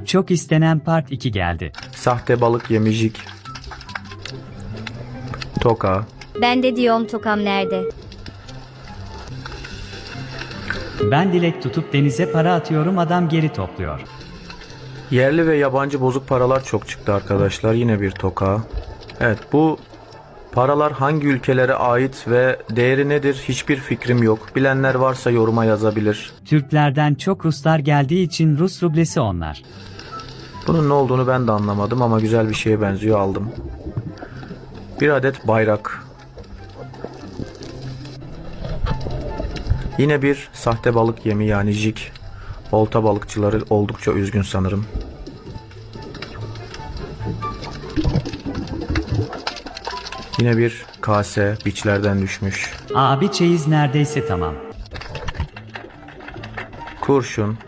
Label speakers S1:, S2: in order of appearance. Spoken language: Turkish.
S1: Çok istenen Part 2 geldi.
S2: Sahte balık yemi jig. Toka.
S3: Ben de diyorum tokam nerede?
S1: Ben dilek tutup denize para atıyorum, adam geri topluyor.
S2: Yerli ve yabancı bozuk paralar çok çıktı arkadaşlar. Yine bir toka. Evet, bu paralar hangi ülkelere ait ve değeri nedir hiçbir fikrim yok. Bilenler varsa yoruma yazabilir.
S1: Türklerden çok Ruslar geldiği için Rus rublesi onlar.
S2: Bunun ne olduğunu ben de anlamadım ama güzel bir şeye benziyor, aldım. Bir adet bayrak. Yine bir sahte balık yemi yani jig. Olta balıkçıları oldukça üzgün sanırım. Yine bir kase, biçlerden düşmüş.
S1: Abi çeyiz neredeyse tamam.
S2: Kurşun.